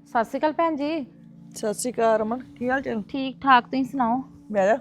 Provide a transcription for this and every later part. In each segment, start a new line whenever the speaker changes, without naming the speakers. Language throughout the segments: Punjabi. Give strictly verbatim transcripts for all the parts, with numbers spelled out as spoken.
ਸਤਿ ਸ਼੍ਰੀ ਅਕਾਲ ਭੈਣ ਜੀ।
ਸਤਿ ਸ਼੍ਰੀ ਅਕਾਲ ਰਮਨ, ਕੀ ਹਾਲ ਚਾਲ?
ਠੀਕ ਠਾਕ, ਤੁਸੀਂ ਸੁਣਾਓ?
ਬਹਿ ਜਾ।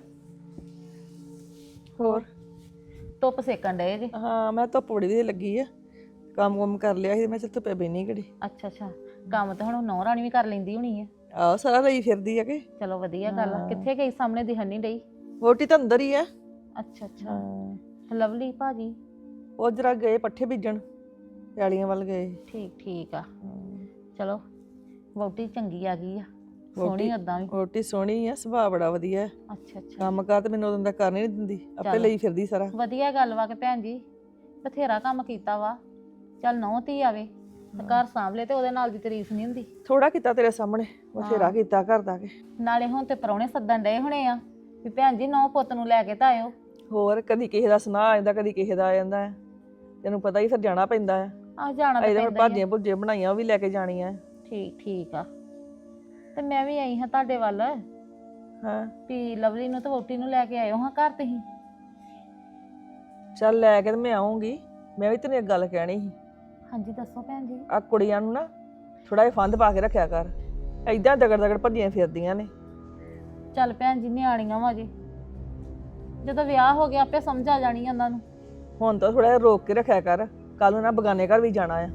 ਹੋਰ?
ਧੁੱਪ ਸੇਕਣ ਡਏ ਜੀ?
ਹਾਂ, ਮੈਂ ਧੁੱਪ ਬੜੀ ਵਧੀਆ ਲੱਗੀ ਆ। ਕੰਮ ਕੁਮ ਕਰ ਲਿਆ ਸੀ, ਮੈਂ ਚੱਲ ਧੁੱਪੇ ਬਹਿਨੀ ਘੜੀ।
ਅੱਛਾ ਅੱਛਾ, ਕੰਮ ਤਾਂ ਹੁਣ ਨੌ ਰਾਣੀ ਵੀ ਕਰ ਲੈਂਦੀ ਹੋਣੀ ਹੈ।
ਆਹ ਸਾਰਾ ਲਈ ਫਿਰਦੀ ਆ ਕਿ?
ਚਲੋ ਵਧੀਆ ਗੱਲ ਆ। ਕਿੱਥੇ ਗਈ? ਸਾਹਮਣੇ ਦਿਖਣ ਨਹੀਂ ਡਈ।
ਵੋਟੀ ਤਾਂ ਅੰਦਰ ਹੀ ਆ।
ਅੱਛਾ ਅੱਛਾ, ਲਵਲੀ ਭਾਜੀ?
ਉਹ ਜਰਾ ਗਏ ਪੱਠੇ ਬੀਜਣ, ਪੈਲੀਆਂ ਵੱਲ ਗਏ।
ਠੀਕ ਠੀਕ ਆ। ਚਲੋ ਵਹੁਟੀ ਚੰਗੀ ਆ ਗਈ ਆ, ਸੋਹਣੀ ਓਦਾਂ ਵੀ।
ਵੋਟੀ ਸੋਹਣੀ ਆ, ਸੁਭਾਅ ਬੜਾ ਵਧੀਆ।
ਅੱਛਾ ਅੱਛਾ,
ਕੰਮ ਕਾਰ ਤੇ ਮੈਨੂੰ ਉਦੋਂ ਦਾ ਕਰ ਨਹੀਂ ਦਿੰਦੀ, ਆਪੇ ਲਈ ਫਿਰਦੀ ਸਾਰਾ।
ਵਧੀਆ ਗੱਲ ਵਾ ਕਿ ਭੈਣ ਜੀ ਬਥੇਰਾ ਕੰਮ ਕੀਤਾ ਵਾ। ਚੱਲ ਨਹੁੰ ਧੀ ਆਵੇ ਤੇ ਘਰ ਸਾਂਭ ਲੈ ਤੇ ਉਹਦੇ ਨਾਲ ਦੀ ਤਾਰੀਫ ਨਹੀਂ ਹੁੰਦੀ।
ਥੋੜਾ ਕੀਤਾ ਤੇਰੇ ਸਾਹਮਣੇ, ਬਥੇਰਾ ਕੀਤਾ ਘਰ ਦਾ ਕੇ।
ਨਾਲੇ ਹੁਣ ਤੇ ਪ੍ਰਾਹੁਣੇ ਸੱਦਣ ਡਏ ਹੋਣੇ ਆ ਵੀ ਭੈਣ ਜੀ ਨਹੁੰ ਪੁੱਤ ਨੂੰ ਲੈ ਕੇ ਤਾਂ ਆਇਓ।
ਹੋਰ ਕਦੀ ਕਿਸੇ ਦਾ ਸੁਨਾਹ ਆ ਜਾਂਦਾ, ਕਦੀ ਕਿਸੇ ਦਾ ਆ ਜਾਂਦਾ ਹੈ। ਤੈਨੂੰ ਪਤਾ ਹੀ ਫਿਰ ਜਾਣਾ ਪੈਂਦਾ ਹੈ।
ਆਹ ਜਾਣਾ ਤਾਂ
ਇਹਦੇ
ਪੈਂਦਾ ਹੀ ਆ।
ਭਾਜੀਆਂ ਭੁੱਜੀਆਂ ਬਣਾਈਆਂ, ਉਹ ਵੀ ਲੈ ਕੇ ਜਾਣੀਆਂ।
ਠੀਕ ਠੀਕ ਆ। ਤੇ ਮੈਂ ਵੀ ਆਈ ਹਾਂ ਤੁਹਾਡੇ ਵੱਲ
ਹਾਂ,
ਵੀ ਲਵਲੀ ਨੂੰ ਤੇ ਵਹੁਟੀ ਨੂੰ ਲੈ ਕੇ ਆਇਓ ਹਾਂ ਘਰ ਤੁਸੀਂ।
ਚੱਲ ਲੈ ਕੇ ਤੇ ਮੈਂ ਆਉਂਗੀ। ਮੈਂ ਵੀ ਤੈਨੂੰ ਇੱਕ ਗੱਲ ਕਹਿਣੀ ਸੀ।
ਹਾਂਜੀ ਦੱਸੋ ਭੈਣ ਜੀ।
ਆ ਕੁੜੀਆਂ ਨੂੰ ਨਾ ਥੋੜਾ ਜਿਹਾ ਫੰਦ ਪਾ ਕੇ ਰੱਖਿਆ ਕਰ, ਏਦਾਂ ਦਗੜ ਦਗੜ ਭੱਜੀਆਂ ਫਿਰਦੀਆਂ ਨੇ।
ਚੱਲ ਭੈਣ ਜੀ ਨਿਆਣੀਆਂ ਵਾ ਜੀ, ਜਦੋਂ ਵਿਆਹ ਹੋ ਗਿਆ ਆਪੇ ਸਮਝ ਆ ਜਾਣੀ ਉਹਨਾਂ ਨੂੰ।
ਹੁਣ ਤਾਂ ਥੋੜਾ ਜਿਹਾ ਰੋਕ ਕੇ ਰੱਖਿਆ ਕਰ, ਕੱਲ ਨੂੰ ਨਾ ਬਗਾਨੇ ਘਰ ਵੀ ਜਾਣਾ ਆ।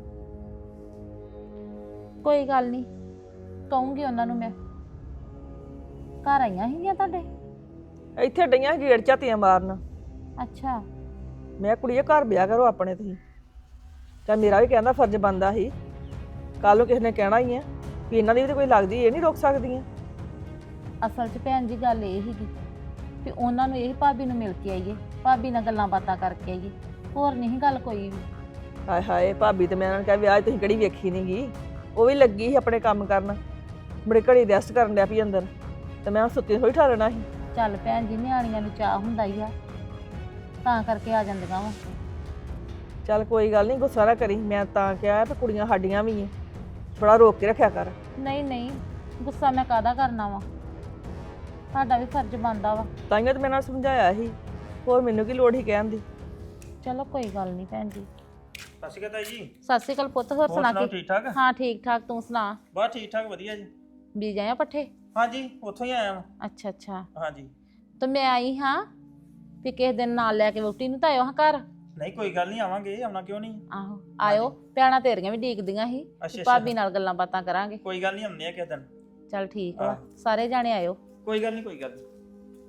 ਕੋਈ ਗੱਲ ਨਹੀਂ, ਕਹੂੰਗੀ ਉਹਨਾਂ ਨੂੰ ਮੈਂ। ਘਰ ਆਈਆਂ ਸੀਗੀਆਂ ਤੁਹਾਡੇ?
ਇੱਥੇ ਡਈਆਂ ਗੇੜ ਝਾਤੀਆਂ ਮਾਰਨ।
ਅੱਛਾ।
ਮੈਂ ਕੁੜੀਏ ਘਰ ਵਿਆਹ ਕਰੋ ਆਪਣੇ ਤੁਸੀਂ। ਤਾਂ ਮੇਰਾ ਵੀ ਕਹਿੰਦਾ ਫਰਜ਼ ਬਣਦਾ ਸੀ, ਕੱਲ ਨੂੰ ਕਿਸੇ ਨੇ ਕਹਿਣਾ ਹੀ ਆ ਵੀ ਇਹਨਾਂ ਦੀ ਵੀ ਤਾਂ ਕੋਈ ਲੱਗਦੀ, ਇਹ ਨਹੀਂ ਰੋਕ ਸਕਦੀਆਂ।
ਅਸਲ 'ਚ ਭੈਣ ਜੀ ਗੱਲ ਇਹ ਸੀਗੀ ਵੀ ਉਹਨਾਂ ਨੂੰ ਇਹ ਭਾਬੀ ਨੂੰ ਮਿਲ ਕੇ ਆਈਏ, ਭਾਬੀ ਨਾਲ ਗੱਲਾਂ ਬਾਤਾਂ ਕਰਕੇ ਆਈਏ, ਹੋਰ ਨਹੀਂ ਗੱਲ ਕੋਈ ਵੀ।
ਹਾਏ ਹਾਏ, ਭਾਬੀ ਤੇ ਮੈਂ ਉਹਨਾਂ ਨੂੰ ਕਿਹਾ ਵਿਆਹ ਤੁਸੀਂ ਕਿਹੜੀ ਵੇਖੀ ਨਹੀਂ ਗਈ। ਉਹ ਵੀ ਲੱਗੀ ਸੀ ਆਪਣੇ ਕੰਮ ਕਰਨ, ਬੜੇ ਘੜੀ ਰੈਸਟ ਕਰਨ ਡਿਆ ਪਈ ਅੰਦਰ, ਤੇ ਮੈਂ ਸੁੱਤੀ ਥੋੜੀ ਠਾਲਣਾ ਸੀ।
ਚੱਲ ਭੈਣ ਜੀ ਨਿਆਣੀਆਂ ਨੂੰ ਚਾਹ ਹੁੰਦਾ ਹੀ ਆ, ਤਾਂ ਕਰਕੇ ਆ ਜਾਂਦੀਆਂ ਵਾ।
ਚੱਲ ਕੋਈ ਗੱਲ ਨਹੀਂ, ਗੁੱਸਾ ਨਾ ਕਰੀ। ਮੈਂ ਤਾਂ ਕਿਹਾ ਵੀ ਕੁੜੀਆਂ ਸਾਡੀਆਂ ਵੀ ਐ, ਥੋੜਾ ਰੋਕ ਕੇ ਰੱਖਿਆ ਕਰ।
ਨਹੀਂ ਨਹੀਂ, ਗੁੱਸਾ ਮੈਂ ਕਾਹਦਾ ਕਰਨਾ ਵਾ, ਤੁਹਾਡਾ ਵੀ ਫਰਜ਼ ਬਣਦਾ ਵਾ।
ਤਾਈਆਂ ਤੇ ਮੈਂ ਨਾਲ ਸਮਝਾਇਆ ਸੀ, ਹੋਰ ਮੈਨੂੰ ਕੀ ਲੋੜ ਸੀ ਕਹਿਣ ਦੀ।
ਚਲੋ ਕੋਈ ਗੱਲ ਨਹੀਂ ਭੈਣ ਜੀ।
ਸਤਿ ਸ਼੍ਰੀ ਅਕਾਲ ਤਾਈ ਜੀ।
ਸਤਿ ਸ਼੍ਰੀ ਅਕਾਲ ਪੁੱਤ, ਹੋਰ ਸੁਣਾ ਕੀ?
ਠੀਕ ਠਾਕ?
ਹਾਂ ਠੀਕ ਠਾਕ, ਤੂੰ ਸੁਣਾ?
ਬਸ ਠੀਕ ਠਾਕ ਵਧੀਆ ਜੀ।
ਬੀਜ ਆਇਆ ਪੱਠੇ?
ਹਾਂਜੀ ਉੱਥੋਂ ਹੀ ਆਇਆ ਵਾਂ।
ਅੱਛਾ ਅੱਛਾ।
ਹਾਂਜੀ
ਤੇ ਮੈਂ ਆਈ ਹਾਂ ਵੀ ਕਿਸੇ ਦਿਨ ਨਾਲ ਲੈ ਕੇ ਵਹੁਟੀ ਨੂੰ ਤਾਂ ਆਇਓ ਹਾਂ ਘਰ।
ਨਹੀਂ ਕੋਈ ਗੱਲ ਨਹੀਂ, ਆਵਾਂਗੇ, ਆਉਣਾ ਕਿਉਂ ਨਹੀਂ।
ਆਹੋ ਆਇਓ, ਭੈਣਾਂ ਤੇਰੀਆਂ ਵੀ ਡੀਕਦੀਆਂ ਸੀ,
ਅੱਛਾ
ਭਾਬੀ ਨਾਲ ਗੱਲਾਂ ਬਾਤਾਂ ਕਰਾਂਗੇ।
ਕੋਈ ਗੱਲ ਨਹੀਂ, ਆਉਂਦੇ ਆ ਕਿਸੇ ਦਿਨ।
ਚੱਲ ਠੀਕ ਵਾ, ਸਾਰੇ ਜਾਣੇ ਆਇਓ।
ਕੋਈ ਗੱਲ ਨਹੀਂ ਕੋਈ ਗੱਲ ਨਹੀਂ।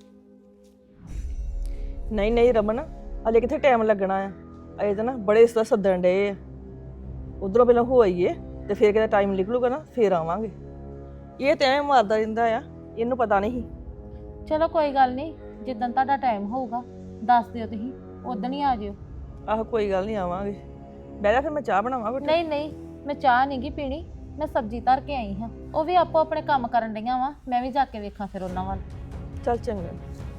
ਨਹੀਂ ਨਹੀਂ ਰਮਨ, ਅਜੇ ਕਿੱਥੇ ਟਾਈਮ ਲੱਗਣਾ ਆ। ਅਜੇ ਤਾਂ ਨਾ ਬੜੇ ਇਸ ਤਰ੍ਹਾਂ ਸੱਦਣ ਡਏ ਆ। ਉਧਰੋਂ ਪਹਿਲਾਂ ਹੋ ਆਈਏ ਤੇ ਫਿਰ ਕਿਤੇ ਟਾਈਮ ਨਿਕਲੂਗਾ ਨਾ ਫਿਰ ਆਵਾਂਗੇ। ਇਹ ਤੇ ਐਵੇਂ ਮਾਰਦਾ ਰਹਿੰਦਾ ਆ, ਇਹਨੂੰ ਪਤਾ ਨਹੀਂ।
ਚਲੋ ਕੋਈ ਗੱਲ ਨਹੀਂ, ਜਿੱਦਣ ਤੁਹਾਡਾ ਟਾਈਮ ਹੋਊਗਾ ਦੱਸ ਦਿਓ ਤੁਸੀਂ, ਉਦਣ ਹੀ ਆ ਜਿਓ।
ਆਹੋ ਕੋਈ ਗੱਲ ਨਹੀਂ, ਆਵਾਂਗੇ। ਬਹਿ ਜਾ ਫਿਰ, ਮੈਂ ਚਾਹ ਬਣਾਵਾਂ ਘੁੱਟ।
ਨਹੀਂ ਨਹੀਂ, ਮੈਂ ਚਾਹ ਨਹੀਂ ਗੀ ਪੀਣੀ, ਮੈਂ ਸਬਜ਼ੀ ਧਰ ਕੇ ਆਈ ਹਾਂ। ਉਹ ਵੀ ਆਪੋ ਆਪਣੇ ਕੰਮ ਕਰਨ ਡਈਆਂ ਵਾ, ਮੈਂ ਵੀ ਜਾ ਕੇ ਵੇਖਾਂ ਫਿਰ ਉਹਨਾਂ ਵੱਲ।
ਚੱਲ ਚੰਗਾ।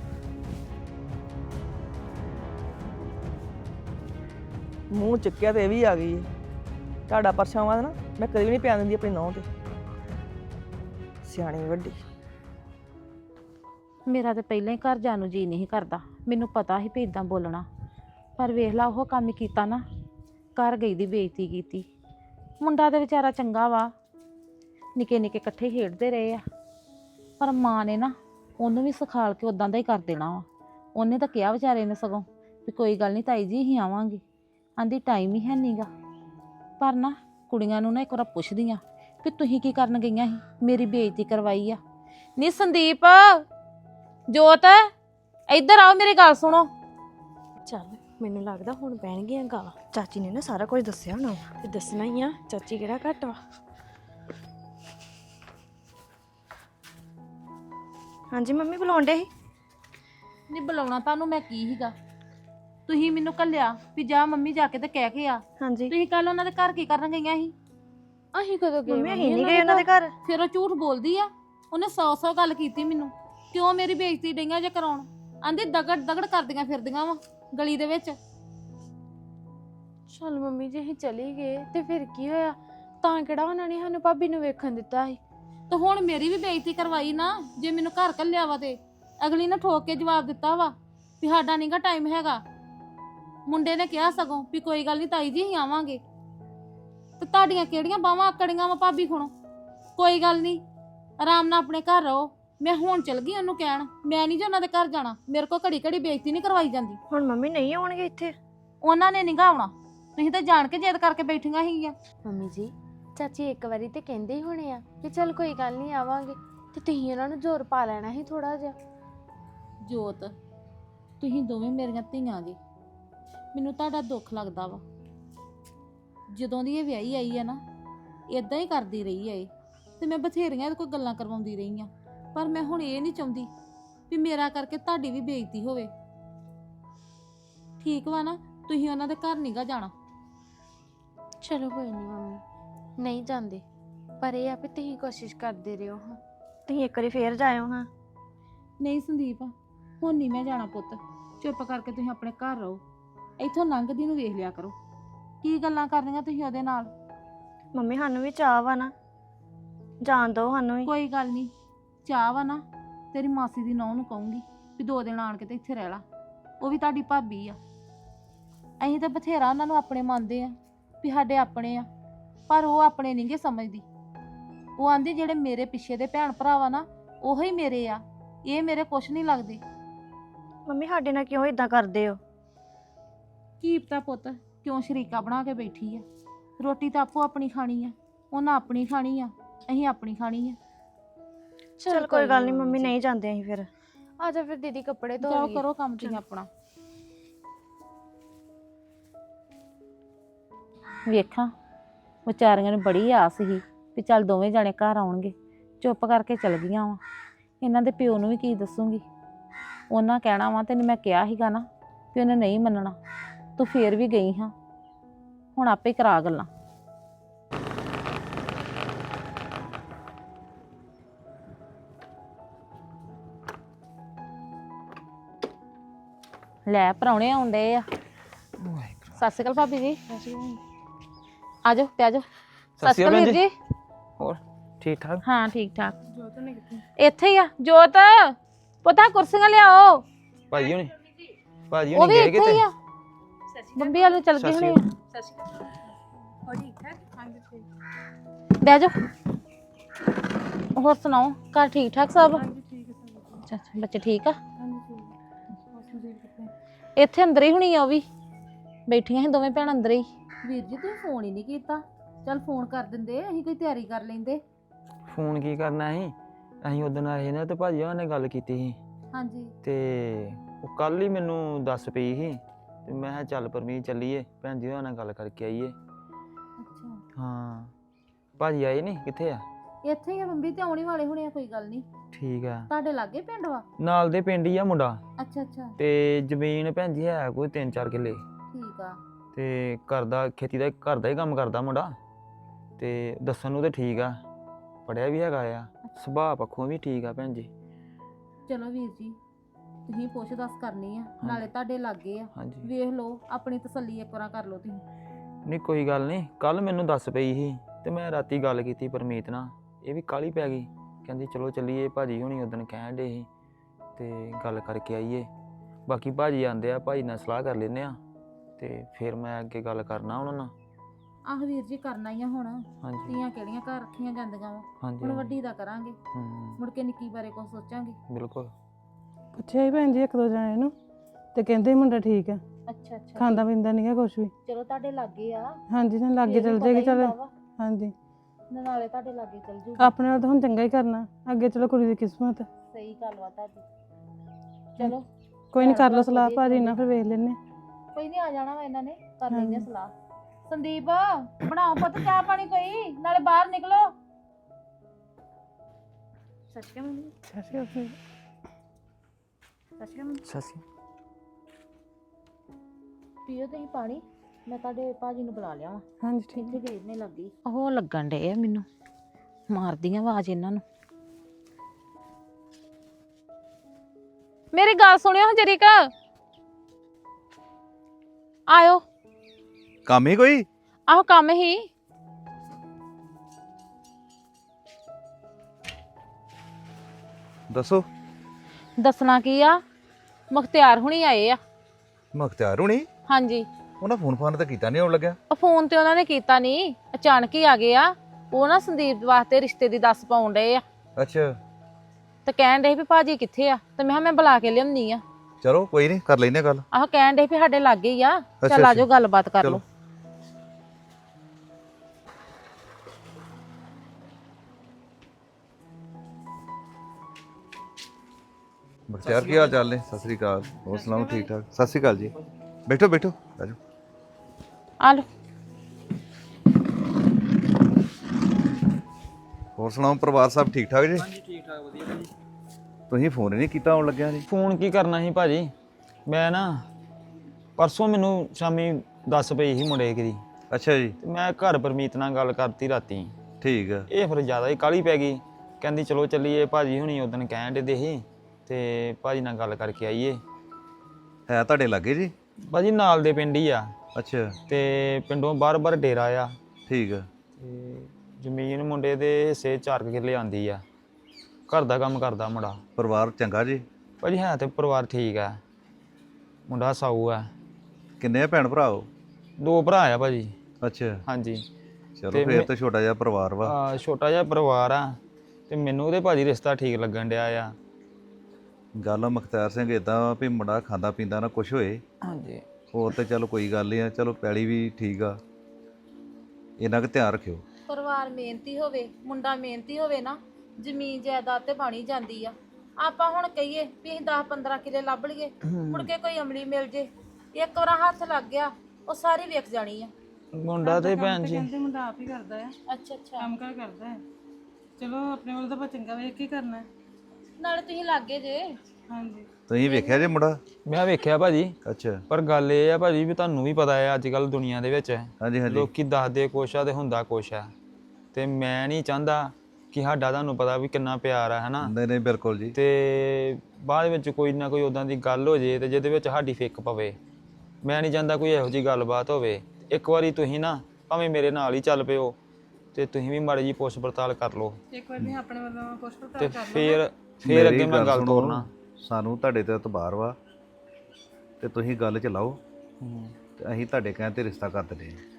ਮੂੰਹ ਚੁੱਕਿਆ ਤੇ ਇਹ ਵੀ ਆ ਗਈ ਹੈ। ਤੁਹਾਡਾ ਪਰਛਾਵਾਂ ਨਾ ਮੈਂ ਕਦੇ ਵੀ ਨਹੀਂ ਪਿਆ ਦਿੰਦੀ ਆਪਣੀ ਨਹੁੰ ਤੇ। ਸਿਆਣੀ ਵੱਡੀ।
ਮੇਰਾ ਤਾਂ ਪਹਿਲਾਂ ਹੀ ਘਰ ਜਾਣ ਨੂੰ ਜੀ ਨਹੀਂ ਕਰਦਾ, ਮੈਨੂੰ ਪਤਾ ਸੀ ਵੀ ਇਦਾਂ ਬੋਲਣਾ, ਪਰ ਵੇਖ ਲਾ ਉਹ ਕੰਮ ਹੀ ਕੀਤਾ ਨਾ, ਘਰ ਗਈ ਦੀ ਬੇਇੱਜ਼ਤੀ ਕੀਤੀ। ਮੁੰਡਾ ਤੇ ਵਿਚਾਰਾ ਚੰਗਾ ਵਾ, ਨਿੱਕੇ ਨਿੱਕੇ ਇਕੱਠੇ ਖੇਡਦੇ ਰਹੇ ਆ, ਪਰ ਮਾਂ ਨੇ ਨਾ ਉਹਨੂੰ ਵੀ ਸਿਖਾਲ ਕੇ ਉਦਾਂ ਦਾ ਹੀ ਕਰ ਦੇਣਾ ਵਾ। ਉਹਨੇ ਤਾਂ ਕਿਹਾ ਵਿਚਾਰੇ ਨੇ ਸਗੋਂ ਵੀ ਕੋਈ ਗੱਲ ਨਹੀਂ ਤਾਈ ਜੀ ਅਸੀਂ ਆਵਾਂਗੇ, ਆਂਦੀ ਟਾਈਮ ਹੀ ਹੈ ਨੀਗਾ। ਪਰ ਨਾ ਕੁੜੀਆਂ ਨੂੰ ਨਾ ਇੱਕ ਵਾਰ ਪੁੱਛਦੀਆਂ ਵੀ ਤੁਸੀਂ ਕੀ ਕਰਨ ਗਈਆਂ ਸੀ, ਮੇਰੀ ਬੇਇੱਜ਼ਤੀ ਕਰਵਾਈ ਆ। ਨੀ ਸੰਦੀਪ, ਜੋਤ, ਇੱਧਰ ਆਓ, ਮੇਰੀ ਗੱਲ ਸੁਣੋ।
ਚੱਲ ਮੈਨੂੰ ਲੱਗਦਾ ਹੁਣ ਪੈਣਗੀਆਂ ਗਾਲਾਂ। ਚਾਚੀ ਨੇ ਨਾ ਸਾਰਾ ਕੁਝ ਦੱਸਿਆ ਹੋਣਾ ਤੇ ਦੱਸਣਾ ਹੀ ਆ, ਚਾਚੀ ਕਿਹੜਾ ਘੱਟ ਵਾ। ਹਾਂਜੀ ਮੰਮੀ ਬੁਲਾਉਂਦੇ ਸੀ।
ਨਹੀਂ ਬੁਲਾਉਣਾ ਤੁਹਾਨੂੰ ਮੈਂ ਕੀ ਸੀਗਾ, ਤੁਸੀਂ ਮੈਨੂੰ ਕੱਲਿਆ ਵੀ ਜਾ ਮੰਮੀ ਜਾ ਕੇ ਤੇ ਕਹਿ ਕੇ ਆ।
ਹਾਂਜੀ
ਤੁਸੀਂ ਕੱਲ ਉਹਨਾਂ ਦੇ ਘਰ ਕੀ ਕਰਨ ਗਈਆਂ ਸੀ?
ਅਸੀਂ ਕਦੋਂ ਗਏ?
ਮੰਮੀ,
ਅਸੀਂ ਨਹੀਂ ਗਏ ਉਹਨਾਂ ਦੇ ਘਰ।
ਫਿਰ ਉਹ ਝੂਠ ਬੋਲਦੀ ਆ, ਉਹਨੇ ਸੌ ਸੌ ਗੱਲ ਕੀਤੀ ਮੈਨੂੰ, ਕਿਉਂ ਮੇਰੀ ਬੇਇੱਜ਼ਤੀ ਡਈਆਂ ਜੇ ਕਰਾਉਣ। ਆਂਦੀ ਦਗੜ ਦਗੜ ਕਰਦੀਆਂ ਫਿਰਦੀਆਂ ਵਾ ਗਲੀ ਦੇ ਵਿੱਚ।
ਚੱਲ ਮੰਮੀ ਜੇ ਅਸੀਂ ਚਲੇ ਗਏ ਤੇ ਫਿਰ ਕੀ ਹੋਇਆ, ਤਾਂ ਕਿਹੜਾ ਉਹਨਾਂ ਨੇ ਸਾਨੂੰ ਭਾਬੀ ਨੂੰ ਵੇਖਣ ਦਿੱਤਾ ਸੀ।
ਤੇ ਹੁਣ ਮੇਰੀ ਵੀ ਬੇਇੱਜ਼ਤੀ ਕਰਵਾਈ ਨਾ, ਜੇ ਮੈਨੂੰ ਘਰ ਘੱਲਿਆ ਵਾ ਤੇ ਅਗਲੀ ਨੇ ਠੋਕ ਕੇ ਜਵਾਬ ਦਿੱਤਾ ਵਾ ਵੀ ਸਾਡਾ ਨਹੀਂਗਾ ਟਾਈਮ ਹੈਗਾ। ਮੁੰਡੇ ਨੇ ਕਿਹਾ ਸਗੋਂ ਵੀ ਕੋਈ ਗੱਲ ਨਹੀਂ ਤਾਈ ਜੀ ਅਸੀਂ ਆਵਾਂਗੇ, ਤੇ ਤੁਹਾਡੀਆਂ ਕਿਹੜੀਆਂ ਬਾਹਾਂ ਆਕੜੀਆਂ ਵਾ ਭਾਬੀ ਕੋਲੋਂ। ਕੋਈ ਗੱਲ ਨਹੀਂ, ਆਰਾਮ ਨਾਲ ਆਪਣੇ ਘਰ ਰਹੋ। ਮੈਂ ਹੁਣ ਚਲ ਗਈ ਉਹਨੂੰ ਕਹਿਣ, ਮੈਂ ਨਹੀਂ ਜੀ ਉਹਨਾਂ ਦੇ ਘਰ ਜਾਣਾ। ਮੇਰੇ ਕੋਲ ਘੜੀ ਘੜੀ ਬੇਇੱਜ਼ਤੀ ਨਹੀਂ ਕਰਵਾਈ ਜਾਂਦੀ।
ਹੁਣ ਮੰਮੀ ਨਹੀਂ ਆਉਣਗੇ ਇੱਥੇ?
ਉਹਨਾਂ ਨੇ ਨੀ ਆਉਣਾ, ਤੁਸੀਂ ਤਾਂ ਜਾਣ ਕੇ ਜਿੱਦ ਕਰਕੇ ਬੈਠੀਆਂ ਸੀਗੀਆਂ।
ਮੰਮੀ ਜੀ ਚਾਚੀ ਇੱਕ ਵਾਰੀ ਤੇ ਕਹਿੰਦੇ ਹੀ ਹੋਣੇ ਆ ਵੀ ਚੱਲ ਕੋਈ ਗੱਲ ਨਹੀਂ ਆਵਾਂਗੇ, ਤੇ ਤੁਸੀਂ ਉਹਨਾਂ ਨੂੰ ਜ਼ੋਰ ਪਾ ਲੈਣਾ ਸੀ ਥੋੜਾ ਜਿਹਾ।
ਜੋਤ, ਤੁਸੀਂ ਦੋਵੇਂ ਮੇਰੀਆਂ ਧੀਆਂ ਜੀ, ਮੈਨੂੰ ਤੁਹਾਡਾ ਦੁੱਖ ਲੱਗਦਾ ਵਾ। ਜਦੋਂ ਦੀ ਇਹ ਵਿਆਹੀ ਆਈ ਆ ਨਾ, ਇਦਾਂ ਹੀ ਕਰਦੀ ਰਹੀ ਆ ਇਹ, ਤੇ ਮੈਂ ਬਥੇਰੀਆਂ ਇਹਦੇ ਕੋਲ ਗੱਲਾਂ ਕਰਵਾਉਂਦੀ ਰਹੀ ਆ, ਪਰ ਮੈਂ ਹੁਣ ਇਹ ਨਹੀਂ ਚਾਹੁੰਦੀ ਵੀ ਮੇਰਾ ਕਰਕੇ ਤੁਹਾਡੀ ਵੀ ਬੇਇੱਜ਼ਤੀ ਹੋਵੇ। ਠੀਕ ਵਾ ਨਾ? ਤੁਸੀਂ ਉਹਨਾਂ ਦੇ ਘਰ ਨੀਗਾ ਜਾਣਾ।
ਚਲੋ ਕੋਈ ਨਹੀਂ ਮੰਮੀ, ਨਹੀਂ ਜਾਂਦੇ, ਪਰ ਇਹ ਆ ਵੀ ਤੁਸੀਂ ਕੋਸ਼ਿਸ਼ ਕਰਦੇ ਰਹੋ ਹਾਂ, ਤੁਸੀਂ ਇੱਕ ਵਾਰੀ ਫੇਰ ਜਾਇਓ ਹਾਂ।
ਨਹੀਂ ਸੰਦੀਪ, ਹੁਣ ਨਹੀਂ ਮੈਂ ਜਾਣਾ ਪੁੱਤ। ਚੁੱਪ ਕਰਕੇ ਤੁਸੀਂ ਆਪਣੇ ਘਰ ਰਹੋ। ਇੱਥੋਂ ਲੰਘਦੀ ਨੂੰ ਵੇਖ ਲਿਆ ਕਰੋ। ਕੀ ਗੱਲਾਂ ਕਰਨੀਆਂ ਤੁਸੀਂ ਉਹਦੇ ਨਾਲ?
ਮੰਮੀ ਸਾਨੂੰ ਵੀ ਚਾਹ ਵਾ ਨਾ, ਜਾਣ ਦਿਓ ਸਾਨੂੰ ਵੀ।
ਕੋਈ ਗੱਲ ਨਹੀਂ, ਚਾਹ ਵਾ ਨਾ, ਤੇਰੀ ਮਾਸੀ ਦੀ ਨੂੰਹ ਨੂੰ ਕਹੂੰਗੀ ਵੀ ਦੋ ਦਿਨ ਆਣ ਕੇ ਤੇ ਇੱਥੇ ਰਹਿ ਲਾ। ਉਹ ਵੀ ਤੁਹਾਡੀ ਭਾਬੀ ਆ। ਅਸੀਂ ਤਾਂ ਬਥੇਰਾ ਉਹਨਾਂ ਨੂੰ ਆਪਣੇ ਮੰਨਦੇ ਆ ਵੀ ਸਾਡੇ ਆਪਣੇ ਆ, ਪਰ ਉਹ ਆਪਣੇ ਨਹੀਂਗੇ ਸਮਝਦੀ। ਉਹ ਆਂਦੀ ਜਿਹੜੇ ਮੇਰੇ ਪਿੱਛੇ ਦੇ ਭੈਣ ਭਰਾ ਵਾ ਨਾ, ਉਹੀ ਹੀ ਮੇਰੇ ਆ, ਇਹ ਮੇਰੇ ਕੁਛ ਨਹੀਂ ਲੱਗਦੇ।
ਮੰਮੀ ਸਾਡੇ ਨਾਲ ਕਿਉਂ ਇਦਾਂ ਕਰਦੇ ਹੋ?
ਕੀ ਪਤਾ ਪੁੱਤ ਕਿਉਂ ਸ਼ਰੀਕਾ ਬਣਾ ਕੇ ਬੈਠੀ ਆ। ਰੋਟੀ ਤਾਂ ਆਪੋ ਆਪਣੀ ਖਾਣੀ ਆ, ਉਹਨਾਂ ਆਪਣੀ ਖਾਣੀ ਆ, ਅਸੀਂ ਆਪਣੀ ਖਾਣੀ ਆ।
ਚਲ ਕੋਈ ਗੱਲ ਨਹੀਂ ਮੰਮੀ, ਨਹੀਂ ਜਾਂਦੇ ਅਸੀਂ ਫਿਰ। ਆ ਜਾ ਫਿਰ ਦੀਦੀ ਕੱਪੜੇ ਧੋ
ਜਾਓ
ਲਈਏ।
ਕਰੋ ਕੰਮ ਤੁਸੀਂ ਆਪਣਾ। ਵੇਖਾਂ, ਵਿਚਾਰੀਆਂ ਨੂੰ ਬੜੀ ਆਸ ਸੀ ਵੀ ਚੱਲ ਦੋਵੇਂ ਜਾਣੇ ਘਰ ਆਉਣਗੇ, ਚੁੱਪ ਕਰਕੇ ਚਲ ਗਈਆਂ ਵਾ। ਇਹਨਾਂ ਦੇ ਪਿਓ ਨੂੰ ਵੀ ਕੀ ਦੱਸੂਗੀ? ਉਹਨਾਂ ਕਹਿਣਾ ਵਾ ਤੈਨੂੰ ਮੈਂ ਕਿਹਾ ਸੀਗਾ ਨਾ ਵੀ ਉਹਨੇ ਨਹੀਂ ਮੰਨਣਾ, ਤੂੰ ਫੇਰ ਵੀ ਗਈ ਹਾਂ। ਹੁਣ ਆਪੇ ਕਰਾ ਗੱਲਾਂ। ਲੈ ਪ੍ਰਾਹੁਣੇ ਆਉਂਦੇ ਆ। ਸਤਿ ਸ਼੍ਰੀ ਅਕਾਲ ਭਾਬੀ ਜੀ। ਆ ਜਾਓ, ਪੈ ਜਾਓ। ਸਤਿ ਸ਼੍ਰੀ ਅਕਾਲ ਵੀਰ ਜੀ।
ਹੋਰ ਠੀਕ ਠਾਕ?
ਹਾਂ ਠੀਕ ਠਾਕ। ਜੋਤ ਨੇ ਕਿੱਥੇ? ਇੱਥੇ ਹੀ ਆ। ਜੋਤ ਪਤਾ ਕੁਰਸੀਆਂ ਲਿਆਓ।
ਭਾਜੀ ਹੁਣੀ ਭਾਜੀ
ਉਹ
ਹੁਣੀ
ਵੀ
ਗਏ
ਇੱਥੇ ਹੀ
ਕਿਤੇ?
ਆ। ਬੰਬੀ ਵਾਲੇ ਚੱਲ ਗਏ ਹੁਣੇ।
ਸਤਿ ਸ਼੍ਰੀ
ਹੋਰ ਠੀਕ ਠਾਕ? ਹਾਂਜੀ ਠੀਕ। ਬਹਿ ਜਾਓ। ਹੋਰ ਸੁਣਾਓ, ਘਰ ਠੀਕ ਠਾਕ ਸਭ? ਹਾਂਜੀ ਠੀਕ ਹੈ ਸਭ। ਅੱਛਾ ਅੱਛਾ, ਬੱਚੇ ਠੀਕ ਆ? ਹਾਂਜੀ ਠੀਕ। ਇੱਥੇ ਅੰਦਰ ਹੀ ਹੁਣੀ ਆ, ਉਹ ਵੀ ਬੈਠੀਆਂ ਸੀ ਦੋਵੇਂ ਭੈਣਾਂ ਅੰਦਰ ਹੀ। ਵੀਰ ਜੀ ਤੁਸੀਂ ਫੋਨ ਹੀ ਨਹੀਂ ਕੀਤਾ। ਚੱਲ ਫੋਨ ਕਰ ਦਿੰਦੇ, ਅਸੀਂ ਕੋਈ ਤਿਆਰੀ ਕਰ ਲੈਂਦੇ।
ਫੋਨ ਕੀ ਕਰਨਾ ਸੀ? ਅਸੀਂ ਉਦੋਂ ਆਏ ਨਾ ਤੇ ਭਾਜੀ ਉਹਨਾਂ ਨੇ ਗੱਲ ਕੀਤੀ ਸੀ।
ਹਾਂਜੀ।
ਤੇ ਉਹ ਕੱਲ ਹੀ ਮੈਨੂੰ ਦੱਸ ਪਈ ਸੀ ਤੇ ਮੈਂ ਕਿਹਾ ਚੱਲ ਪਰਮੀਤ ਚੱਲੀਏ, ਭੈਣ ਜੀ ਉਹਨਾਂ ਨਾਲ ਗੱਲ ਕਰਕੇ ਆਈਏ।
ਅੱਛਾ।
ਹਾਂ ਭਾਜੀ ਆਏ ਨਹੀਂ? ਕਿੱਥੇ ਆ?
ਇੱਥੇ ਹੀ ਆ ਬੰਬੀ, ਤੇ ਆਉਣੀ ਵਾਲੇ ਹੁਣੇ ਆ। ਕੋਈ ਗੱਲ ਨਹੀਂ।
ਠੀਕ ਆ।
ਤੁਹਾਡੇ ਲਾਗੇ ਪਿੰਡ ਵਾ?
ਨਾਲ ਦੇ ਪਿੰਡ ਹੀ ਆ ਮੁੰਡਾ।
ਅੱਛਾ ਅੱਛਾ।
ਤੇ ਜ਼ਮੀਨ ਭੈਣ ਜੀ ਹੈ ਕੋਈ ਤਿੰਨ ਚਾਰ ਕਿੱਲੇ।
ਠੀਕ ਆ।
ਤੇ ਘਰ ਦਾ ਖੇਤੀ ਦਾ ਘਰ ਦਾ ਹੀ ਕੰਮ ਕਰਦਾ ਮੁੰਡਾ। ਤੇ ਦੱਸਣ ਨੂੰ ਤੇ ਠੀਕ ਆ, ਪੜਿਆ ਵੀ ਹੈਗਾ ਆ, ਸੁਭਾਅ ਪੱਖੋਂ ਵੀ ਠੀਕ ਆ ਭੈਣ ਜੀ।
ਚਲੋ ਵੀਰ ਜੀ, ਤੁਸੀਂ ਪੁੱਛ ਦੱਸ ਕਰਨੀ ਆ, ਨਾਲੇ ਤੁਹਾਡੇ ਲਾਗੇ ਆ।
ਹਾਂਜੀ
ਵੇਖ ਲਓ, ਆਪਣੀ ਤਸੱਲੀ ਇੱਕ ਵਾਰ ਕਰ ਲਓ ਤੁਸੀਂ।
ਨਹੀਂ ਕੋਈ ਗੱਲ ਨਹੀਂ, ਕੱਲ ਮੈਨੂੰ ਦੱਸ ਪਈ ਸੀ ਤੇ ਮੈਂ ਰਾਤੀ ਗੱਲ ਕੀਤੀ ਪਰਮੀਤ ਨਾਲ, ਇਹ ਵੀ ਕਾਹਲੀ ਪੈ ਗਈ, ਕਹਿੰਦੀ ਚਲੋ ਚੱਲੀਏ। ਭਾਜੀ ਹੁਣੀ ਉਦੋਂ ਕਹਿਣ ਡੇ ਸੀ ਤੇ ਗੱਲ ਕਰਕੇ ਆਈਏ। ਬਾਕੀ ਭਾਜੀ ਆਂਦੇ ਆ, ਭਾਜੀ ਨਾਲ ਸਲਾਹ ਕਰ ਲੈਂਦੇ ਆ ਤੇ ਫਿਰ ਮੈਂ ਅੱਗੇ ਗੱਲ ਕਰਨਾ ਉਹਨਾਂ ਨਾਲ।
ਆਹ ਵੀਰ ਜੀ ਕਰਨਾ ਹੀ ਆ ਹੁਣ।
ਹਾਂਜੀ
ਧੀਆਂ ਕਿਹੜੀਆਂ ਘਰ ਰੱਖੀਆਂ ਜਾਂਦੀਆਂ ਵਾ,
ਹਾਂਜੀ
ਹੁਣ ਵੱਡੀ ਦਾ ਕਰਾਂਗੇ,
ਹੂੰ
ਮੁੜ ਕੇ ਨਿੱਕੀ ਬਾਰੇ ਕੁਝ ਸੋਚਾਂਗੇ।
ਬਿਲਕੁਲ।
ਪੁੱਛਿਆ ਸੀ ਭੈਣ ਜੀ ਇੱਕ ਦੋ ਜਣੇ ਨੂੰ, ਤੇ ਕਹਿੰਦੇ ਮੁੰਡਾ ਠੀਕ ਆ,
ਅੱਛਾ ਅੱਛਾ।
ਖਾਂਦਾ ਪੀਂਦਾ ਨਹੀਂਗਾ ਕੁਛ ਵੀ।
ਚਲੋ ਤੁਹਾਡੇ ਲਾਗੇ ਆ।
ਹਾਂਜੀ ਨਾ ਲਾਗੇ
ਇਹ ਵੀ
ਚੱਲ
ਪਤਾ
ਜਾਏਗੀ।
ਹੀ
ਚੱਲ
ਹੁੰਦਾ ਵਾ,
ਹਾਂਜੀ,
ਨਾਲੇ ਤੁਹਾਡੇ ਲਾਗੇ ਚੱਲ ਜੂ।
ਆਪਣੇ ਨਾਲ ਤਾਂ ਹੁਣ ਚੰਗਾ ਹੀ ਕਰਨਾ, ਅੱਗੇ ਚਲੋ ਕੁੜੀ ਦੀ ਕਿਸਮਤ।
ਸਹੀ ਗੱਲ ਵਾ ਤੁਹਾਡੀ। ਚਲੋ
ਕੋਈ ਨਹੀਂ, ਕਰ ਲਓ
ਵਧੀਆ
ਸਲਾਹ ਭਾਜੀ
ਵਧੀਆ।
ਨਾਲ, ਫਿਰ ਵੇਖ ਲੈਨੇ।
ਕੋਈ ਨਹੀਂ, ਆ ਜਾਣਾ ਵਾ ਇਹਨਾਂ ਨੇ, ਕਰ ਲੈਂਦੇ ਆ ਸਲਾਹ। ਸੰਦੀਪ ਬਣਾਓ ਪੁੱਤ ਚਾਹ ਪਾਣੀ ਕੋਈ, ਨਾਲੇ ਬਾਹਰ ਨਿਕਲੋ।
ਸਤਿ ਸ਼੍ਰੀ ਅਕਾਲ ਮੰਮੀ।
ਸਤਿ ਸ਼੍ਰੀ ਅਕਾਲ।
ਸਤਿ ਸ਼੍ਰੀ ਅਕਾਲ।
ਸਤਿ ਸ਼੍ਰੀ
ਪੀਓ ਤੁਸੀਂ ਪਾਣੀ, ਮੈਂ ਤੁਹਾਡੇ ਭਾਜੀ ਨੂੰ ਬੁਲਾ ਲਿਆ ਵਾ।
ਹਾਂਜੀ ਠੀਕ
ਇੱਥੇ ਗੇਟ ਨੇ ਲੱਗੀ। ਉਹ ਲੱਗਣ ਡੇ ਆ ਮੈਨੂੰ, ਮਾਰਦੀ ਆ ਆਵਾਜ਼ ਇਹਨਾਂ ਨੂੰ। ਮੇਰੀ ਗੱਲ ਸੁਣਿਓ ਜਰੀਕ, ਆਇਓ।
ਕੰਮ ਹੀ ਕੋਈ?
ਆਹੋ ਕੰਮ ਹੀ।
ਦੱਸੋ।
ਦੱਸਣਾ ਕੀ ਆ, ਮੁਖਤਿਆਰ ਹੁਣੀ ਆਏ ਆ।
ਮੁਖਤਿਆਰ ਹੁਣੀ?
ਹਾਂਜੀ।
ਉਹਨਾਂ ਫੋਨ ਫਾਨ ਤਾਂ ਕੀਤਾ ਨਹੀਂ, ਆਉਣ ਲੱਗਿਆ।
ਉਹ ਫੋਨ ਤੇ ਉਹਨਾਂ ਨੇ ਕੀਤਾ ਨਹੀਂ, ਅਚਾਨਕ ਹੀ ਆ ਗਏ ਆ। ਉਹ ਨਾ ਸੰਦੀਪ ਵਾਸਤੇ ਰਿਸ਼ਤੇ ਦੀ ਦੱਸ ਪਾਉਣ ਡਏ ਆ
ਅੱਛਾ
ਤੇ ਕਹਿਣ ਡਏ ਵੀ ਭਾਜੀ ਕਿੱਥੇ ਆ ਤੇ ਮੈਂ ਕਿਹਾ ਮੈਂ ਬੁਲਾ ਕੇ ਲਿਆਉਂਦੀ ਆ।
ਚਲੋ ਕੋਈ ਨਹੀਂ ਕਰ ਲੈਨੇ ਗੱਲ।
ਆਹੋ ਕਹਿਣ ਡਏ ਵੀ ਸਾਡੇ ਲਾਗੇ ਹੀ ਆ, ਚੱਲ
ਅੱਛਾ।
ਆਜੋ ਗੱਲਬਾਤ ਕਰ
ਚਲੋ।
ਲਓ।
ਬਖਤਿਆਰ ਕੀ ਹਾਲ ਚਾਲ ਨੇ? ਸਤਿ ਸ੍ਰੀ ਅਕਾਲ। ਹੋਰ ਸੁਣਾਓ ਠੀਕ ਠਾਕ? ਸਤਿ ਸ੍ਰੀ ਅਕਾਲ ਜੀ। ਬੈਠੋ ਬੈਠੋ ਆਜੋ।
ਆ ਲਓ।
ਹੋਰ ਸੁਣਾਓ ਪਰਿਵਾਰ ਸਭ ਠੀਕ ਠਾਕ ਜੀ?
ਹਾਂਜੀ ਠੀਕ ਠਾਕ ਵਧੀਆ ਭਾਜੀ।
ਤੁਸੀਂ ਫੋਨ ਹੀ ਨਹੀਂ ਕੀਤਾ ਆਉਣ ਲੱਗਿਆ ਜੀ।
ਫੋਨ ਕੀ ਕਰਨਾ ਸੀ ਭਾਜੀ, ਮੈਂ ਨਾ ਪਰਸੋਂ ਮੈਨੂੰ ਸ਼ਾਮੀ ਦੱਸ ਪਈ ਸੀ ਮੁੰਡੇ ਦੀ
ਅੱਛਾ ਜੀ।
ਤੇ ਮੈਂ ਘਰ ਪਰਮੀਤ ਨਾਲ ਗੱਲ ਕਰਤੀ ਰਾਤੀ।
ਠੀਕ ਆ।
ਇਹ ਫਿਰ ਜ਼ਿਆਦਾ ਹੀ ਕਾਹਲੀ ਪੈ ਗਈ, ਕਹਿੰਦੀ ਚਲੋ ਚੱਲੀਏ। ਭਾਜੀ ਹੁਣੀ ਉਦੋਂ ਕਹਿਣ ਡੇ ਸੀ ਤੇ ਭਾਜੀ ਨਾਲ ਗੱਲ ਕਰਕੇ ਆਈਏ।
ਹੈ ਤੁਹਾਡੇ ਲਾਗੇ ਜੀ?
ਭਾਜੀ ਨਾਲ ਦੇ ਪਿੰਡ ਹੀ ਆ
ਅੱਛਾ
ਤੇ ਪਿੰਡੋਂ ਬਾਰ-ਬਾਰ ਡੇਰਾ ਆ
ਠੀਕ ਆ।
ਤੇ ਜ਼ਮੀਨ ਮੁੰਡੇ ਦੇ ਹਿੱਸੇ ਚਾਰ ਕੁ ਕਿੱਲੇ ਆਂਦੀ ਆ। ਘਰ ਦਾ ਕੰਮ ਕਰਦਾ ਮੁੰਡਾ।
ਪਰਿਵਾਰ ਚੰਗਾ ਜੀ?
ਭਾਜੀ ਹੈ ਤੇ ਪਰਿਵਾਰ ਠੀਕ ਆ, ਮੁੰਡਾ ਸਾਊ ਆ।
ਕਿੰਨੇ ਆ ਭੈਣ ਭਰਾ ਹੋ?
ਦੋ ਭਰਾ ਆ ਭਾਜੀ।
ਅੱਛਾ
ਹਾਂਜੀ
ਚਲੋ
ਤੇ
ਫੇਰ
ਮੈਂ-
ਤਾਂ ਛੋਟਾ ਜਿਹਾ ਪਰਿਵਾਰ ਵਾ।
ਆ ਛੋਟਾ ਜਿਹਾ ਪਰਿਵਾਰ ਆ ਤੇ ਮੈਨੂੰ ਉਹਦੇ ਭਾਜੀ ਰਿਸ਼ਤਾ ਠੀਕ ਲੱਗਣ ਡਿਆ ਆ।
ਗੱਲ ਆ ਮੁਖਤਿਆਰ ਸਿੰਘ ਇਦਾਂ ਵੀ ਮੁੰਡਾ ਖਾਂਦਾ ਪੀਂਦਾ ਨਾ ਕੁਛ ਹੋਏ,
ਹਾਂਜੀ
ਹੋਰ ਤੇ ਚਲੋ ਕੋਈ ਗੱਲ ਨਹੀਂ ਆ। ਚਲੋ ਪੈਲੀ ਵੀ ਠੀਕ ਆ, ਇਹਨਾਂ ਕੁ ਧਿਆਨ ਰੱਖਿਓ।
ਪਰਿਵਾਰ ਮਿਹਨਤੀ ਹੋਵੇ, ਮੁੰਡਾ ਮਿਹਨਤੀ ਹੋਵੇ ਨਾ, ਜ਼ਮੀਨ ਜਾਇਦਾਦ ਤੇ ਬਣੀ ਜਾਂਦੀ ਆ। ਆਪਾਂ ਹੁਣ ਕਹੀਏ ਵੀ ਅਸੀਂ ਦਸ ਪੰਦਰਾਂ ਕਿੱਲੇ ਲੱਭ ਲਈਏ, ਮੁੜ ਕੇ ਕੋਈ ਅਮਲੀ ਮਿਲ ਜੇ, ਇੱਕ ਵਾਰ ਹੱਥ ਲੱਗ ਗਿਆ ਉਹ ਸਾਰੀ ਵੇਖ ਜਾਣੀ ਆ।
ਮੁੰਡਾ ਤੇ ਭੈਣ ਜੀ
ਕਹਿੰਦੇ ਮੁੰਡਾ ਆਪ ਹੀ ਕਰਦਾ ਆ,
ਅੱਛਾ ਅੱਛਾ।
ਕੰਮ ਕਾਰ ਕਰਦਾ ਹੈ। ਚਲੋ ਆਪਣੇ ਵੱਲ ਤਾਂ ਆਪਾਂ ਚੰਗਾ ਵੇਖ ਕੇ ਕਰਨਾ ਹੈ।
ਨਾਲੇ ਤੁਸੀਂ ਲਾਗੇ ਜੇ।
ਹਾਂਜੀ
ਤੁਸੀਂ ਵੇਖਿਆ ਜੇ ਮੁੰਡਾ?
ਮੈਂ ਵੇਖਿਆ ਭਾਜੀ,
ਅੱਛਾ
ਪਰ ਗੱਲ ਇਹ ਆ ਭਾਜੀ ਵੀ ਤੁਹਾਨੂੰ ਵੀ ਪਤਾ ਹੈ ਅੱਜ ਕੱਲ ਦੁਨੀਆ ਦੇ ਵਿੱਚ
ਹਾਂਜੀ ਹਾਂਜੀ
ਲੋਕੀ ਦੱਸਦੇ ਕੁਛ ਆ ਤੇ ਹੁੰਦਾ ਕੁਛ ਆ। ਤੇ ਮੈਂ ਨਹੀਂ ਚਾਹੁੰਦਾ ਕਿ ਸਾਡਾ ਤੁਹਾਨੂੰ ਪਤਾ ਵੀ ਕਿੰਨਾ ਪਿਆਰ ਆ ਹਨਾ,
ਨਹੀਂ ਨਹੀਂ ਬਿਲਕੁਲ ਜੀ।
ਤੇ ਬਾਅਦ ਵਿੱਚ ਕੋਈ ਨਾ ਕੋਈ ਉਦਾਂ ਦੀ ਗੱਲ ਹੋ ਜੇ ਤੇ ਜਿਹਦੇ ਵਿੱਚ ਸਾਡੀ ਫਿੱਕ ਪਵੇ। ਮੈਂ ਨਹੀਂ ਚਾਹੁੰਦਾ ਕੋਈ ਇਹੋ ਜਿਹੀ ਗੱਲਬਾਤ ਹੋਵੇ। ਇੱਕ ਵਾਰੀ ਤੁਸੀਂ ਨਾ ਭਾਵੇਂ ਮੇਰੇ ਨਾਲ ਹੀ ਚੱਲ ਪਿਓ ਤੇ ਤੁਸੀਂ ਵੀ ਮਾੜੀ ਜੀ ਪੁੱਛ ਪੜਤਾਲ ਕਰ ਲਓ
ਇੱਕ ਵਾਰ ਨਹੀਂ ਆਪਣੇ ਵੱਲੋਂ ਪੁੱਛ
ਤੇ
ਪੜਤਾਲ ਕਰ ਲਓ।
ਫੇਰ ਫੇਰ ਅੱਗੇ
ਮੇਰੀ
ਮੈਂ ਗੱਲ
ਸੁਣੋ,
ਤੋਰਨਾ।
ਸਾਨੂੰ ਤੁਹਾਡੇ ਤੇ ਇਤਬਾਰ ਵਾ ਤੇ ਤੁਸੀਂ ਗੱਲ ਚਲਾਓ ਤੇ ਅਸੀਂ ਤੁਹਾਡੇ ਕਹਿਣ ਤੇ ਰਿਸ਼ਤਾ ਕਰ ਦਿੰਦੇ ਹਾਂ।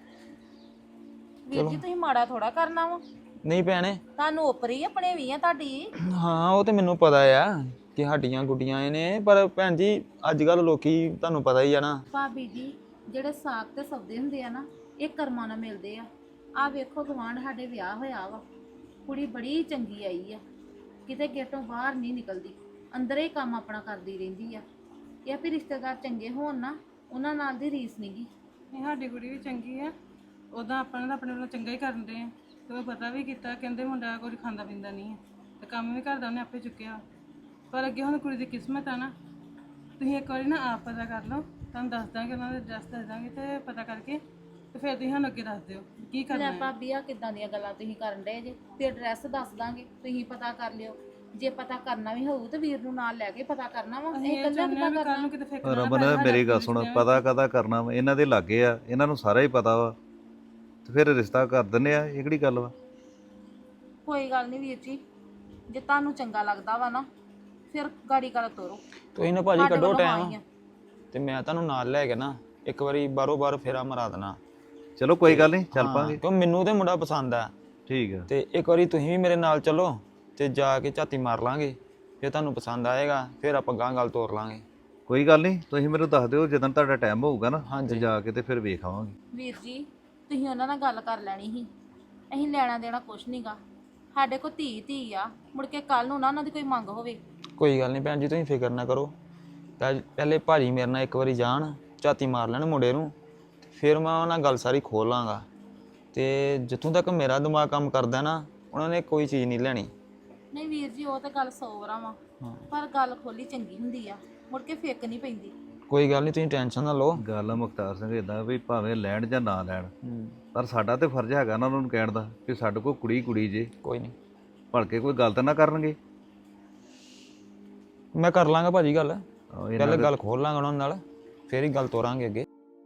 ਵੀਰ ਜੀ ਤੁਸੀਂ ਮਾੜਾ ਥੋੜਾ ਕਰਨਾ ਵਾ,
ਨਹੀਂ ਭੈਣੇ,
ਤੁਹਾਨੂੰ ਉਪਰੀ ਆਪਣੇ ਵੀ ਆ ਤੁਹਾਡੀ।
ਹਾਂ ਉਹ ਤੇ ਮੈਨੂੰ ਪਤਾ ਆ ਕਿ ਹੱਡੀਆਂ ਗੁੱਡੀਆਂ ਇਹ ਨੇ, ਪਰ ਭੈਣ ਜੀ ਅੱਜ ਕੱਲ ਲੋਕੀ ਤੁਹਾਨੂੰ ਪਤਾ ਹੀ ਆ ਨਾ।
ਭਾਬੀ ਜੀ ਜਿਹੜੇ ਸਾਗ ਤੇ ਸੌਦੇ ਹੁੰਦੇ ਆ ਨਾ, ਇਹ ਕਰਮਾਂ ਨਾਲ ਮਿਲਦੇ ਆ। ਆ ਵੇਖੋ ਗਵਾਂਢ ਸਾਡੇ ਵਿਆਹ ਹੋਇਆ ਵਾ, ਕੁੜੀ ਬੜੀ ਚੰਗੀ ਆਈ ਆ, ਕਿਤੇ ਗੇਟੋਂ ਬਾਹਰ ਨਹੀਂ ਨਿਕਲਦੀ, ਅੰਦਰੇ ਹੀ ਕੰਮ ਆਪਣਾ ਕਰਦੀ ਰਹਿੰਦੀ ਆ। ਇਹ ਆ ਵੀ ਰਿਸ਼ਤੇਦਾਰ ਚੰਗੇ ਹੋਣ ਨਾ, ਉਹਨਾਂ ਨਾਲ ਦੀ ਰੀਸ ਨਹੀਂਗੀ।
ਨਹੀਂ ਸਾਡੀ ਕੁੜੀ ਵੀ ਚੰਗੀ ਆ, ਉਦਾਂ ਆਪਾਂ ਨੇ ਆਪਣੇ ਵੱਲੋਂ ਚੰਗਾ ਹੀ ਕਰਨ ਦੇ ਆ। ਤੇ ਉਹ ਪਤਾ ਵੀ ਕੀਤਾ, ਕਹਿੰਦੇ ਮੁੰਡਾ ਕੁਝ ਖਾਂਦਾ ਪੀਂਦਾ ਨਹੀਂ ਹੈ ਤੇ ਕੰਮ ਵੀ ਕਰਦਾ ਉਹਨੇ ਆਪੇ ਚੁੱਕਿਆ। ਪਰ ਅੱਗੇ ਹੁਣ ਕੁੜੀ ਦੀ ਕਿਸਮਤ ਆ ਨਾ, ਤੁਸੀਂ ਇੱਕ ਵਾਰੀ ਨਾ ਆਪ ਪਤਾ ਕਰ ਲਓ, ਤੁਹਾਨੂੰ ਦੱਸ ਦਾਂਗੇ, ਉਹਨਾਂ ਦੇ ਐਡਰੈਸ ਦੱਸ ਦਾਂਗੇ ਤੇ ਪਤਾ ਕਰਕੇ ਤੇ ਫਿਰ ਤੁਸੀਂ ਸਾਨੂੰ ਅੱਗੇ ਦੱਸ ਦਿਓ ਕੀ ਕਰਨਾ
ਲੈ
ਹੈ।
ਭਾਬੀ ਆ ਕਿੱਦਾਂ ਦੀਆਂ ਗੱਲਾਂ ਤੁਸੀਂ ਕਰਨ ਡਏ ਜੇ? ਤੇ ਐਡਰੈਸ ਦੱਸ ਦਾਂਗੇ, ਤੁਸੀਂ ਪਤਾ ਕਰ ਲਿਓ। ਜੇ ਪਤਾ ਕਰਨਾ ਵੀ ਹੋਊ ਤੇ ਵੀਰ ਨੂੰ ਨਾਲ ਲੈ ਕੇ ਪਤਾ ਕਰਨਾ ਵਾ।
ਅਸੀਂ
ਇਹ
ਇਹ
ਕੱਲਾ
ਚਾਹੁੰਦੇ ਹਾਂ
ਕਿੱਦਾਂ
ਵੀ ਕੱਲ੍ਹ
ਕਰਨਾ?
ਨੂੰ ਕਿਤੇ ਫਿੱਕ ਨਾ
ਰਮਨ
ਪੈ
ਮੇਰੀ ਗੱਲ ਸੁਣ, ਪਤਾ ਕਦਾ ਕਰਨਾ ਵਾ, ਇਹਨਾਂ ਦੇ ਲਾਗੇ ਆ, ਇਹਨਾਂ ਨੂੰ ਸਾਰਾ ਹੀ ਪਤਾ ਵਾ ਤੇ ਫਿਰ ਰਿਸ਼ਤਾ ਕਰ ਦਿੰਦੇ ਆ। ਇਹ ਕਿਹੜੀ ਗੱਲ ਵਾ?
ਕੋਈ ਗੱਲ ਨਹੀਂ ਵੀਰ ਜੀ, ਜੇ ਤੁਹਾਨੂੰ ਚੰਗਾ ਲੱਗਦਾ ਵਾ ਨਾ ਫਿਰ ਗਾੜੀ ਗੱਲ ਤੋਰੋ।
ਤੁਸੀਂ ਨਾ ਭਾਜੀ
ਸਾਡੇ
ਕੱਢੋ
ਵੱਲੋਂ ਹਾਂ ਹੀ
ਟਾਈਮ
ਆ।
ਤੇ ਮੈਂ ਤੁਹਾਨੂੰ ਨਾਲ ਲੈ ਕੇ ਨਾ ਇੱਕ ਵਾਰੀ ਬਾਰੋ ਬਾਰ ਫੇਰਾ ਮਰਾ ਦੇਣਾ।
ਚਲੋ ਕੋਈ ਗੱਲ ਨਹੀਂ, ਚੱਲ
ਹਾਂ,
ਪਾਂਗੇ।
ਕਿਉਂ ਮੈਨੂੰ ਤੇ ਮੁੰਡਾ ਪਸੰਦ ਆ
ਠੀਕ ਆ।
ਤੇ ਇੱਕ ਵਾਰੀ ਤੁਸੀਂ ਵੀ ਮੇਰੇ ਨਾਲ ਚੱਲੋ ਤੇ ਜਾ ਕੇ ਝਾਤੀ ਮਾਰ ਲਾਂਗੇ। ਜੇ ਤੁਹਾਨੂੰ ਪਸੰਦ ਆਏਗਾ ਫਿਰ ਆਪਾਂ ਗਾਂ ਗੱਲ ਤੋਰ ਲਾਂਗੇ।
ਕੋਈ ਗੱਲ ਨਹੀਂ, ਤੁਸੀਂ ਮੈਨੂੰ ਦੱਸ ਦਿਓ ਜਦੋਂ ਤੁਹਾਡਾ ਟਾਈਮ ਹੋਊਗਾ ਨਾ,
ਹਾਂਜੀ।
ਤੇ ਜਾ ਕੇ ਤੇ ਫਿਰ ਵੇਖ ਆਵਾਂਗੇ।
ਵੀਰ ਜੀ ਤੁਸੀਂ ਉਹਨਾਂ ਨਾਲ ਗੱਲ ਕਰ ਲੈਣੀ ਸੀ, ਅਸੀਂ ਲੈਣਾ ਦੇਣਾ ਕੁਛ ਨਹੀਂਗਾ। ਸਾਡੇ ਕੋਲ ਧੀ ਧੀ ਆ, ਮੁੜ ਕੇ ਕੱਲ ਨੂੰ ਨਾ ਉਹਨਾਂ ਦੀ ਕੋਈ ਮੰਗ ਹੋਵੇ।
ਕੋਈ ਗੱਲ ਨਹੀਂ ਭੈਣ ਜੀ, ਤੁਸੀਂ ਫਿਕਰ ਨਾ ਕਰੋ। ਪਹਿ- ਪਹਿਲੇ ਭਾਜੀ ਮੇਰੇ ਨਾਲ ਇੱਕ ਵਾਰੀ ਜਾਣ, ਝਾਤੀ ਮਾਰ ਲੈਣ ਮੁੰਡੇ ਨੂੰ, ਫਿਰ ਮੈਂ ਉਹਨਾਂ ਨਾਲ ਗੱਲ ਸਾਰੀ ਖੋਲ ਲਾਂਗਾ। ਤੇ ਜਿੱਥੋਂ ਤੱਕ ਮੇਰਾ ਦਿਮਾਗ ਕੰਮ ਕਰਦਾ ਨਾ, ਉਹਨਾਂ ਨੇ ਕੋਈ ਚੀਜ਼ ਨਹੀਂ ਲੈਣੀ।
ਨਹੀਂ ਵੀਰ ਜੀ, ਉਹ ਤਾਂ ਗੱਲ ਸੌ ਵਾਰਾਂ ਵਾ, ਪਰ ਗੱਲ ਖੋਲੀ ਚੰਗੀ ਹੁੰਦੀ ਆ, ਮੁੜ ਕੇ ਫਿੱਕ ਨਹੀਂ ਪੈਂਦੀ।
ਕੋਈ ਗੱਲ ਨਹੀਂ, ਤੁਸੀਂ ਟੈਨਸ਼ਨ ਨਾ ਲਓ।
ਗੱਲ ਆ ਮੁਖਤਾਰ ਸਿੰਘ ਇਦਾਂ ਵੀ ਭਾਵੇਂ ਲੈਣ ਜਾਂ ਨਾ ਲੈਣ, ਪਰ ਸਾਡਾ ਤੇ ਫਰਜ਼ ਹੈਗਾ ਨਾ ਉਹਨਾਂ ਨੂੰ ਕਹਿਣ ਦਾ ਕਿ ਸਾਡੇ ਕੋਲ ਕੁੜੀ ਕੁੜੀ ਜੇ,
ਕੋਈ ਨਹੀਂ,
ਭਲਕੇ ਕੋਈ ਗੱਲ ਤਾਂ ਨਾ ਕਰਨਗੇ।
ਮੈਂ ਕਰ ਲਾਂਗਾ ਭਾਜੀ ਗੱਲ।
ਆਹੋ, ਇਹਨਾਂ
ਪਹਿਲੇ
ਦੇ-
ਗੱਲ ਖੋਲ ਲਾਂਗਾ ਉਹਨਾਂ ਨਾਲ, ਫਿਰ ਹੀ ਗੱਲ ਤੋਰਾਂਗੇ ਅੱਗੇ।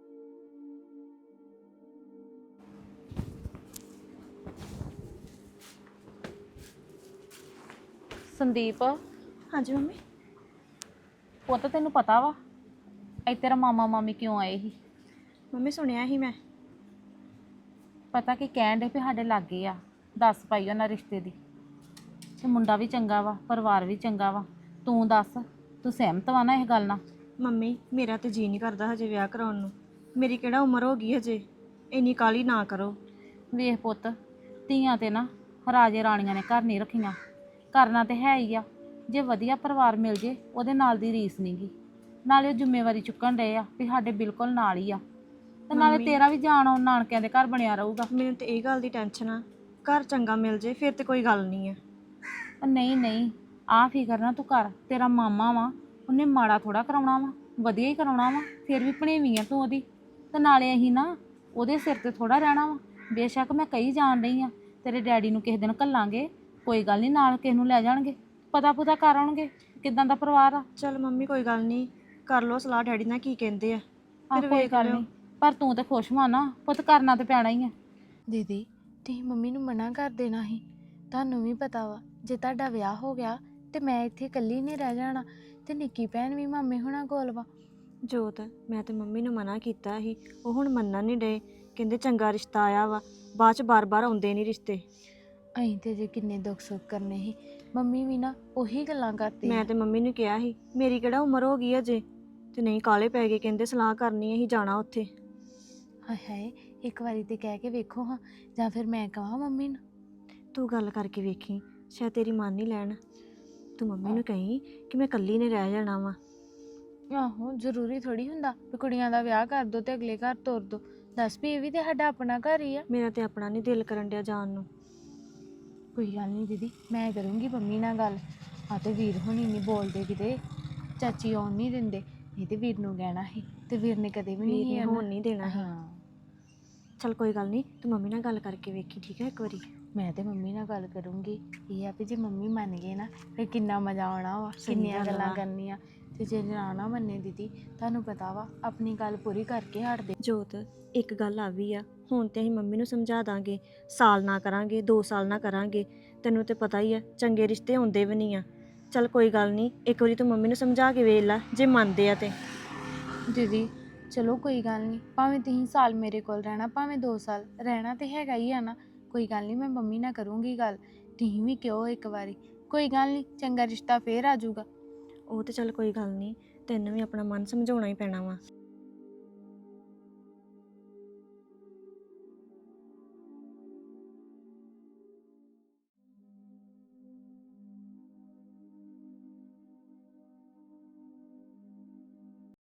ਸੰਦੀਪ,
ਹਾਂਜੀ ਮੰਮੀ।
ਉਹ ਤਾਂ ਤੈਨੂੰ ਪਤਾ ਵਾ ਇਹ ਤੇਰਾ ਮਾਮਾ ਮਾਮੀ ਕਿਉਂ ਆਏ ਸੀ?
ਮੰਮੀ ਸੁਣਿਆ ਹੀ ਮੈਂ।
ਪਤਾ ਕੀ ਕਹਿਣ ਦੇ ਵੀ ਸਾਡੇ ਲਾਗੇ ਆ ਦੱਸ ਪਾਈ ਉਹਨਾਂ ਰਿਸ਼ਤੇ ਦੀ। ਤੇ ਮੁੰਡਾ ਵੀ ਚੰਗਾ ਵਾ, ਪਰਿਵਾਰ ਵੀ ਚੰਗਾ ਵਾ। ਤੂੰ ਦੱਸ, ਤੂੰ ਸਹਿਮਤ ਵਾ ਨਾ ਇਹ ਗੱਲ ਨਾਲ?
ਮੰਮੀ ਮੇਰਾ ਤੇ ਜੀ ਨਹੀਂ ਕਰਦਾ ਹਜੇ ਵਿਆਹ ਕਰਾਉਣ ਨੂੰ। ਮੇਰੀ ਕਿਹੜਾ ਉਮਰ ਹੋ ਗਈ ਹਜੇ, ਇੰਨੀ ਕਾਹਲੀ ਨਾ ਕਰੋ।
ਵੇਖ ਪੁੱਤ, ਧੀਆਂ ਤੇ ਨਾ ਰਾਜੇ ਰਾਣੀਆਂ ਨੇ ਘਰ ਨਹੀਂ ਰੱਖੀਆਂ, ਕਰਨਾ ਤੇ ਹੈ ਹੀ ਆ। ਜੇ ਵਧੀਆ ਪਰਿਵਾਰ ਮਿਲ ਜੇ ਉਹਦੇ ਨਾਲ ਦੀ ਰੀਸ ਨਹੀਂਗੀ। ਨਾਲੇ ਉਹ ਜ਼ਿੰਮੇਵਾਰੀ ਚੁੱਕਣ ਡਏ ਆ ਵੀ ਸਾਡੇ ਬਿਲਕੁਲ ਨਾਲ ਹੀ ਆ, ਤੇ ਨਾਲੇ
ਮੰਮੀ-
ਤੇਰਾ ਵੀ ਜਾਣ ਆਉਣ ਨਾਨਕਿਆਂ ਦੇ ਘਰ ਬਣਿਆ ਰਹੂਗਾ।
ਮੈਨੂੰ ਤੇ ਇਹ ਗੱਲ ਦੀ ਟੈਨਸ਼ਨ ਆ, ਘਰ ਚੰਗਾ ਮਿਲ ਜੇ ਫਿਰ ਤੇ ਕੋਈ ਗੱਲ ਨਹੀਂ ਆ।
ਉਹ ਨਹੀਂ ਨਹੀਂ, ਆਹ ਫਿਕਰ ਨਾ ਤੂੰ ਕਰ। ਤੇਰਾ ਮਾਮਾ ਵਾ, ਉਹਨੇ ਮਾੜਾ ਥੋੜਾ ਕਰਾਉਣਾ ਵਾ, ਵਧੀਆ ਹੀ ਕਰਾਉਣਾ ਵਾ। ਫਿਰ ਵੀ ਭਣੇਵੀਂ ਆ ਤੂੰ ਉਹਦੀ, ਤੇ ਨਾਲੇ ਅਸੀਂ ਨਾ ਉਹਦੇ ਸਿਰ ਤੇ ਥੋੜਾ ਰਹਿਣਾ ਵਾ। ਬੇਸ਼ੱਕ ਮੈਂ ਕਹੀ ਜਾਣ ਰਹੀ ਆ ਤੇਰੇ ਡੈਡੀ ਨੂੰ ਕਿਸੇ ਦਿਨ ਘੱਲਾਂਗੇ, ਕੋਈ ਗੱਲ ਨਹੀਂ, ਨਾਲ ਕਿਸੇ ਨੂੰ ਲੈ ਜਾਣਗੇ, ਪਤਾ ਪੁਤਾ ਕਰ ਆਉਣਗੇ ਕਿਦਾਂ ਦਾ ਪਰਿਵਾਰ ਆ।
ਚਲ ਮੰਮੀ ਕੋਈ ਗੱਲ ਨਹੀਂ, ਕਰ ਲਓ ਸਲਾਹ ਡੈਡੀ ਨਾਲ ਕੀ ਕਹਿੰਦੇ ਆ,
ਆਹ
ਫਿਰ
ਕੋਈ
ਵੇਖ
ਗੱਲ
ਲਿਓ।
ਨਹੀਂ, ਪਰ ਤੂੰ ਤੇ ਖੁਸ਼ ਹੋਣਾ ਨਾ ਪੁੱਤ, ਕਰਨਾ ਤੇ ਪੈਣਾ ਹੀ ਆ।
ਦੀਦੀ ਤੁਸੀਂ ਮੰਮੀ ਨੂੰ ਮਨਾ ਕਰ ਦੇਣਾ ਸੀ। ਤੁਹਾਨੂੰ ਵੀ ਪਤਾ ਵਾ ਜੇ ਤੁਹਾਡਾ ਵਿਆਹ ਹੋ ਗਿਆ ਤੇ ਮੈਂ ਇੱਥੇ ਇਕੱਲੀ ਨਹੀਂ ਰਹਿ ਜਾਣਾ, ਤੇ ਨਿੱਕੀ ਭੈਣ ਵੀ ਮਾਮੇ ਹੁਣਾਂ ਕੋਲ ਵਾ।
ਜੋਤ, ਮੈਂ ਤੇ ਮੰਮੀ ਨੂੰ ਮਨਾ ਕੀਤਾ ਸੀ, ਉਹ ਹੁਣ ਮੰਨਣ ਨਹੀਂ ਡਏ। ਕਹਿੰਦੇ ਚੰਗਾ ਰਿਸ਼ਤਾ ਆਇਆ ਵਾ, ਬਾਅਦ ਚ ਬਾਰ-ਬਾਰ ਆਉਂਦੇ ਨਹੀਂ ਰਿਸ਼ਤੇ।
ਅਸੀਂ ਤੇ ਜੇ ਕਿੰਨੇ ਦੁੱਖ ਸੁੱਖ ਕਰਨੇ ਸੀ, ਮੰਮੀ ਵੀ ਨਾ ਉਹੀ ਗੱਲਾਂ ਕਰਦੀ
ਮੈਂ ਤੇ ਮੰਮੀ ਨੂੰ ਕਿਹਾ ਸੀ ਮੇਰੀ ਕਿਹੜਾ ਉਮਰ ਹੋ ਗਈ ਅਜੇ, ਤੇ ਨਹੀਂ ਕਾਲੇ ਪੈ ਗਏ, ਕਹਿੰਦੇ ਸਲਾਹ ਕਰਨੀ ਅਸੀਂ ਜਾਣਾ ਉੱਥੇ।
ਹਾਏ ਹਾਏ, ਇੱਕ ਵਾਰੀ ਤੇ ਕਹਿ ਕੇ ਵੇਖੋ ਹਾਂ, ਜਾਂ ਫਿਰ ਮੈਂ ਕਹਾਂ ਮੰਮੀ ਨੂੰ।
ਤੂੰ ਗੱਲ ਕਰਕੇ ਵੇਖੀ, ਸ਼ਾਇਦ ਤੇਰੀ ਮੰਨ ਨਹੀਂ ਲੈਣ। ਤੂੰ ਮੰਮੀ ਨੂੰ ਕਹੀਂ ਕਿ ਮੈਂ ਇਕੱਲੀ ਨੇ ਰਹਿ ਜਾਣਾ ਵਾ।
ਆਹੋ, ਜ਼ਰੂਰੀ ਥੋੜੀ ਹੁੰਦਾ ਵੀ ਕੁੜੀਆਂ ਦਾ ਵਿਆਹ ਕਰ ਦੋ ਤੇ ਅਗਲੇ ਘਰ ਤੋਰ ਦੋ। ਦੱਸ ਵੀ ਇਹ ਵੀ ਤੇ ਸਾਡਾ ਆਪਣਾ ਘਰ ਹੀ ਆ।
ਮੇਰਾ ਤੇ ਆਪਣਾ ਨਹੀਂ ਦਿਲ ਕਰਨ ਡਿਆ ਜਾਣ ਨੂੰ।
ਕੋਈ ਗੱਲ ਨਹੀਂ ਦੀਦੀ, ਮੈਂ ਕਰੂੰਗੀ ਮੰਮੀ ਨਾਲ ਗੱਲ। ਆ ਤੇ ਵੀਰ ਹੁਣੀ ਨਹੀਂ ਬੋਲਦੇ ਕਿਤੇ, ਚਾਚੀ ਆਉਣ ਨਹੀਂ ਦਿੰਦੇ। ਇਹ ਤੇ ਵੀਰ ਨੂੰ ਕਹਿਣਾ ਸੀ, ਤੇ ਵੀਰ ਨੇ ਕਦੇ ਵੀ
ਵੀਰ
ਨਹੀਂ
ਨੇ ਹੋਣ ਨਹੀਂ ਦੇਣਾ ਸੀ।
ਹਾਂ,
ਚਲ ਕੋਈ ਗੱਲ ਨਹੀਂ, ਤੂੰ ਮੰਮੀ ਨਾਲ ਗੱਲ ਕਰਕੇ ਵੇਖੀ, ਠੀਕ ਹੈ ਇੱਕ ਵਾਰੀ।
ਮੈਂ ਤੇ ਮੰਮੀ ਨਾਲ ਗੱਲ ਕਰੂੰਗੀ। ਇਹ ਆ ਵੀ ਜੇ ਮੰਮੀ ਮੰਨ ਗਏ ਨਾ ਫਿਰ ਕਿੰਨਾ ਮਜ਼ਾ ਆਉਣਾ ਵਾ,
ਸਹੀ
ਕਿੰਨੀਆਂ
ਗੱਲ
ਗੱਲਾਂ
ਵਾ।
ਕਰਨੀਆਂ। ਤੇ ਜੇ ਨਾ ਨਾ ਮੰਨੇ ਦੀਦੀ, ਤੁਹਾਨੂੰ ਪਤਾ ਵਾ ਆਪਣੀ ਗੱਲ ਪੂਰੀ ਕਰਕੇ ਹਟਦੇ।
ਜੋਤ, ਇੱਕ ਗੱਲ ਆ ਵੀ ਆ, ਹੁਣ ਤੇ ਅਸੀਂ ਮੰਮੀ ਨੂੰ ਸਮਝਾ ਦਾਂਗੇ, ਸਾਲ ਨਾ ਕਰਾਂਗੇ, ਦੋ ਸਾਲ ਨਾ ਕਰਾਂਗੇ। ਤੈਨੂੰ ਤੇ ਪਤਾ ਹੀ ਆ ਚੰਗੇ ਰਿਸ਼ਤੇ ਹੁੰਦੇ ਵੀ ਨਹੀਂ ਆ। ਚਲ ਕੋਈ ਗੱਲ ਨਹੀਂ, ਇੱਕ ਵਾਰੀ ਤੂੰ ਮੰਮੀ ਨੂੰ ਸਮਝਾ ਕੇ ਵੇਖ ਲੈ, ਜੇ ਮੰਨਦੇ ਆ ਤੇ।
ਦੀਦੀ ਚਲੋ ਕੋਈ ਗੱਲ ਨਹੀਂ, ਭਾਵੇਂ ਤੁਸੀਂ ਸਾਲ ਮੇਰੇ ਕੋਲ ਰਹਿਣਾ, ਭਾਵੇਂ ਦੋ ਸਾਲ ਰਹਿਣਾ ਤੇ ਹੈਗਾ ਹੀ ਆ ਨਾ। ਕੋਈ ਗੱਲ ਨਹੀਂ, ਮੈਂ ਮੰਮੀ ਨਾਲ ਕਰੂੰਗੀ ਗੱਲ। ਤੁਸੀਂ ਵੀ ਕਿਉਂ ਇੱਕ ਵਾਰੀ, ਕੋਈ ਗੱਲ ਨਹੀਂ, ਚੰਗਾ ਰਿਸ਼ਤਾ ਫੇਰ ਆ ਜਾਊਗਾ।
ਉਹ ਤੇ ਚੱਲ ਕੋਈ ਗੱਲ ਨਹੀਂ, ਤੈਨੂੰ ਵੀ ਆਪਣਾ ਮਨ ਸਮਝਾਉਣਾ ਹੀ ਪੈਣਾ ਵਾ।